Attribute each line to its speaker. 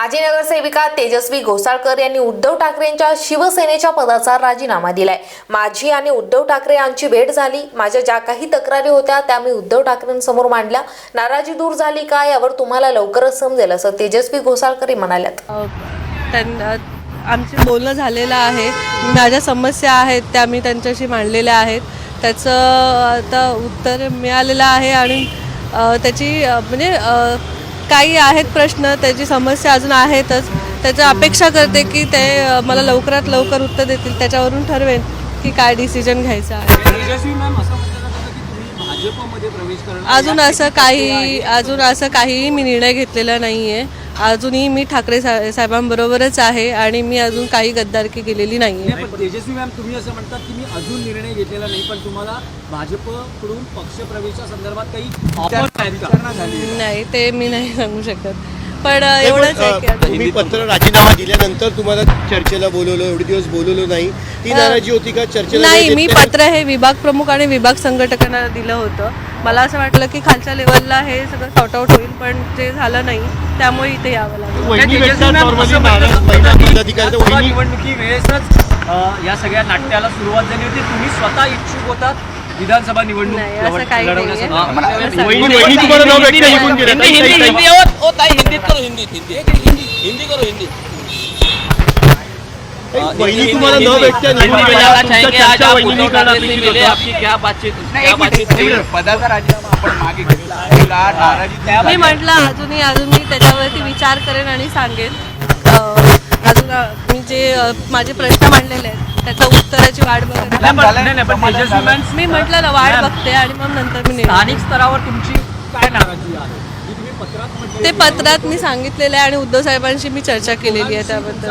Speaker 1: माजी नगरसेविका तेजस्वी घोसाळकर यांनी उद्धव ठाकरेंच्या शिवसेनेच्या पदाचा राजीनामा दिलाय। माझी आणि उद्धव ठाकरे यांची भेट झाली। माझ्या ज्या काही तक्रारी होत्या त्या मी उद्धव ठाकरेंसमोर मांडल्या। नाराजी दूर झाली का यावर तुम्हाला लवकरच समजेल असं तेजस्वी घोसाळकर म्हणाल्यात।
Speaker 2: आमचे बोलणं झालेलं आहे। माझ्या समस्या आहेत त्या मी त्यांच्याशी मांडलेल्या आहेत। त्याचं आता उत्तर मिळालेलं आहे आणि त्याची म्हणजे काही आहेत प्रश्न, त्याची समस्या अजून आहेतच। त्याची अपेक्षा करते की ते मला लवकरात लवकर उत्तर देतील, त्याच्यावरून ठरवेन की काय डिसिजन घ्यायचा आहे। अजून असं काही मी निर्णय घेतलेला नाही आहे। अजूनही मी ठाकरे साहेबांबरोबरच आहे आणि मी अजून काही गद्दारकी केलेली नाही आहे।
Speaker 3: तेजस्वी मॅम, तुम्ही असं म्हणतात की मी अजून निर्णय घेतलेला नाही, पण तुम्हाला भाजपकडून पक्षप्रवेशा संदर्भात काही ऑफर
Speaker 2: नाही, ते मी नाही सांगू शकत, पण एवढंच आहे की
Speaker 4: तुम्ही पत्र राजीनामा दिल्यानंतर तुम्हाला चर्चेला बोलवलं, एवढे दिवस बोलवलं नाही, ती नाराजी होती का चर्चेला?
Speaker 2: नाही, मी पत्र हे विभाग प्रमुख आणि विभाग संघटकांना दिलं होतं। मला असं वाटलं की खालच्या लेवलला हे सगळं सॉर्ट आउट होईल, पण ते झालं नाही, त्यामुळे इथे यावं लागलं।
Speaker 3: निवडणुकी वेळेसच या सगळ्या नाट्याला सुरुवात झाली होती। तुम्ही स्वतः इच्छुक होतात विधानसभा निवडणूक लढवण्यासाठी?
Speaker 5: पदाचा राजीनामा आपण मागे घेतला,
Speaker 2: मी म्हटलं अजून मी त्याच्यावरती विचार करेन आणि सांगेन। अजून मी जे माझे प्रश्न मांडलेले आहेत त्याच्या उत्तराची वाट बघते। मी म्हटलं ना, वाट बघते आणि मग नंतर मी
Speaker 3: स्थानिक स्तरावर तुमची काय नाराजी आहे?
Speaker 2: ते पत्रात मी सांगितलेलं आहे आणि उद्धव साहेबांशी मी चर्चा केलेली आहे त्याबद्दल।